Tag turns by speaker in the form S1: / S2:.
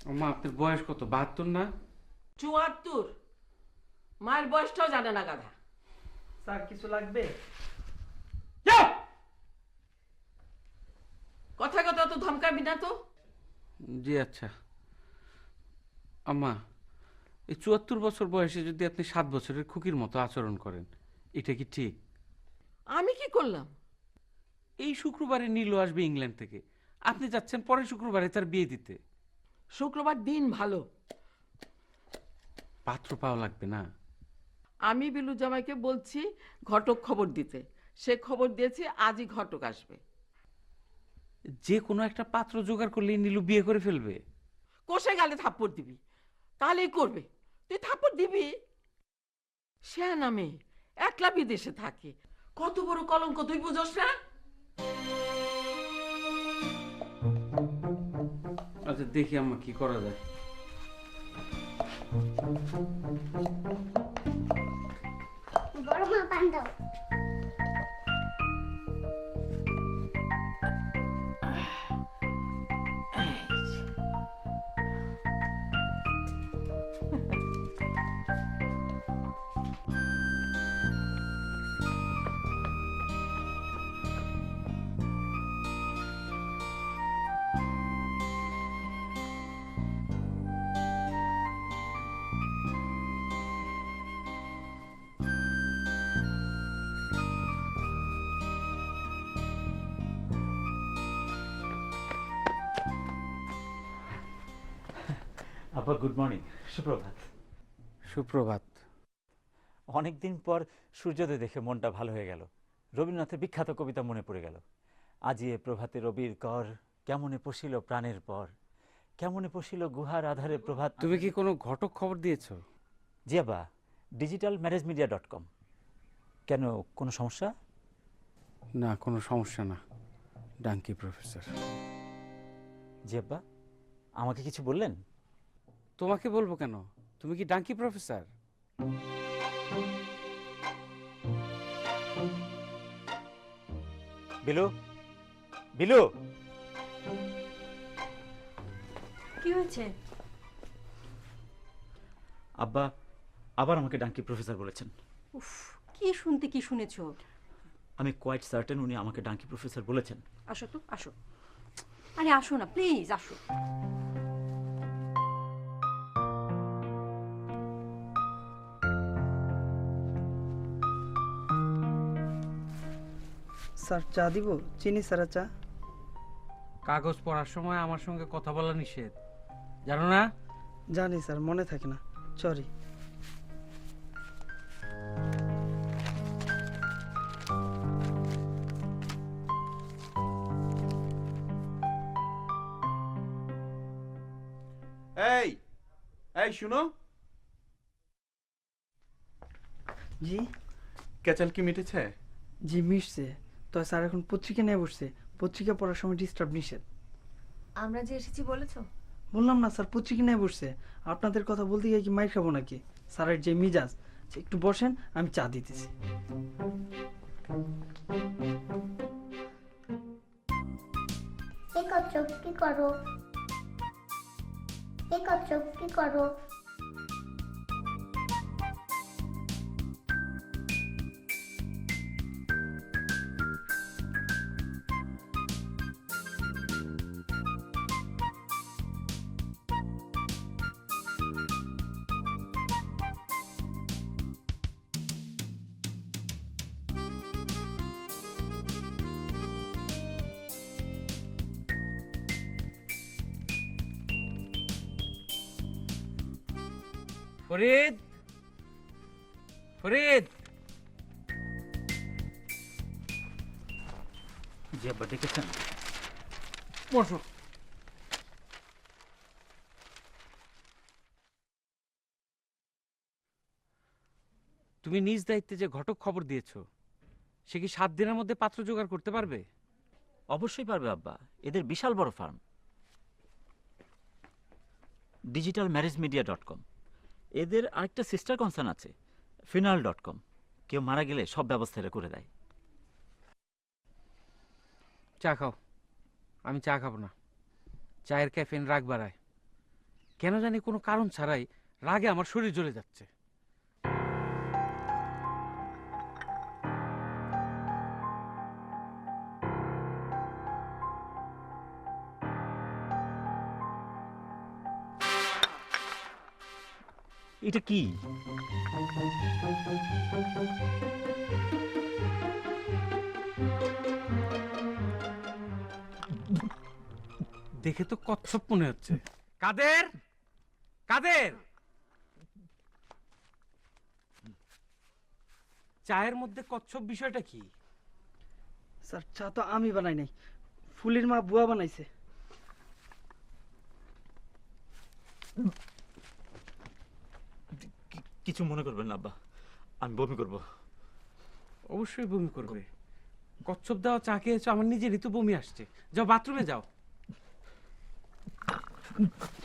S1: আম্মা আপনার বয়স কত? 72 না?
S2: 74। মায়ের বয়সটাও জানে না গাধা।
S3: স্যার কিছু লাগবে?
S2: কথায় কথা তো ধমকাবি না তো।
S1: জি আচ্ছা। আম্মা, এই 74 বছর বয়সে যদি আপনি 7 বছরের খুকির মতো আচরণ করেন, এটা কি ঠিক?
S2: আমি কি করলাম?
S1: এই শুক্রবারে নীলু আসবে ইংল্যান্ড থেকে, আপনি যাচ্ছেন পরের শুক্রবারে তার বিয়ে দিতে।
S2: শুক্রবার দিন ভালো।
S1: পাত্র পাওয়া লাগবে না?
S2: আমি বিলু জামাইকে বলছি ঘটক খবর দিতে। সে খবর দিয়েছে আজই ঘটক আসবে।
S1: যে কোনো একটা পাত্র জোগাড় করলেই নীলু বিয়ে করে ফেলবে।
S2: কষে গালে থাপ্পড় দিবি, তাহলেই করবে। তুই থাপ্পড় দিবি? সে নামে একলা বিদেশে থাকে, কত বড় কলঙ্ক তুই বুঝোস না?
S1: আচ্ছা দেখি আম্মা কি করা যায়।
S4: বড় মা পান দাও।
S5: আপা গুড মর্নিং, সুপ্রভাত।
S1: সুপ্রভাত।
S5: অনেকদিন পর সূর্যোদয় দেখে মনটা ভালো হয়ে গেল। রবীন্দ্রনাথের বিখ্যাত কবিতা মনে পড়ে গেল। আজি এ প্রভাতে রবির কর, কেমনে পশিল প্রাণের পর, কেমনে পশিল গুহার আধারে প্রভাত।
S1: তুমি কি কোনো ঘটক খবর দিয়েছো?
S5: জি আব্বা, digitalmarriagemedia.com। কেন, কোনো সমস্যা?
S1: না, কোনো সমস্যা না। ডাঙ্কি প্রফেসর।
S5: জি আব্বা, আমাকে কিছু বললেন?
S1: তোমাকে বলবো কেন? তুমি কি ডাঙ্কি প্রফেসর?
S5: বিলু, বিলু।
S6: কি হয়েছে?
S5: আব্বা আবার আমাকে ডাঙ্কি প্রফেসর বলেছেন।
S6: উফ, কি শুনতে কি শুনেছো?
S5: আমি কোয়াইট সার্টেন উনি আমাকে ডাঙ্কি প্রফেসর বলেছেন।
S6: আসো তো, আসো। আরে আসো না প্লিজ, আসো।
S3: স্যার চা দিব? চিনি ছাড়া চা?
S1: কাগজ পড়ার সময় আমার সঙ্গে কথা বলা নিষেধ, জানো না?
S3: জানি স্যার, মনে থাকে না, সরি।
S7: এই এই শুনো,
S3: জি
S7: কেচাল কি মিটেছে?
S3: জি মিশছে। তো স্যার এখন পত্রিকা নিয়ে বসছে, পত্রিকা পড়ার সময় ডিস্টার্ব নিষেধ।
S6: আমরা যে এসেছি বলেছো?
S3: বললাম না স্যার, পত্রিকা নিয়ে বসছে। আপনাদের কথা বলতে গিয়ে কি মাইর খাবো নাকি? স্যারের যে মিজাজ। একটু বসেন, আমি চা দিতেছি।
S4: কি করছো? কি করো? কি করছো? কি করো?
S1: ফরিদ, ফরিদ।
S5: জি আব্বা, ডেকেছেন?
S1: বসো। তুমি নিজ দায়িত্বে যে ঘটক খবর দিয়েছো, সে কি 7 দিনের মধ্যে পাত্র জোগাড় করতে পারবে?
S5: অবশ্যই পারবে আব্বা, এদের বিশাল বড় ফার্ম। digitalmarriagemedia.com। এদের আরেকটা সিস্টার কনসার্ন আছে, funeral.com। কেউ মারা গেলে সব ব্যবস্থা এরা করে দেয়।
S1: চা খাও। আমি চা খাবো না, চায়ের ক্যাফিন রাগ বাড়ায়। কেন জানি কোনো কারণ ছাড়াই রাগে আমার শরীর জ্বলে যাচ্ছে।
S5: এটা কি?
S1: দেখে তো কচ্ছপ মনে হচ্ছে। কাদের, কাদের, চায়ের মধ্যে কচ্ছপ বিষয়টা কি?
S3: স্যার চা তো আমি বানাই নাই, ফুলির মা বুয়া বানাইছে।
S5: কিছু মনে করবেন না আব্বা, আমি বমি করব।
S1: অবশ্যই বমি করবে। কচ্ছপ দেওয়া চা খেয়েছো, আমার নিজেরই তো বমি আসছে। যাও বাথরুমে যাও।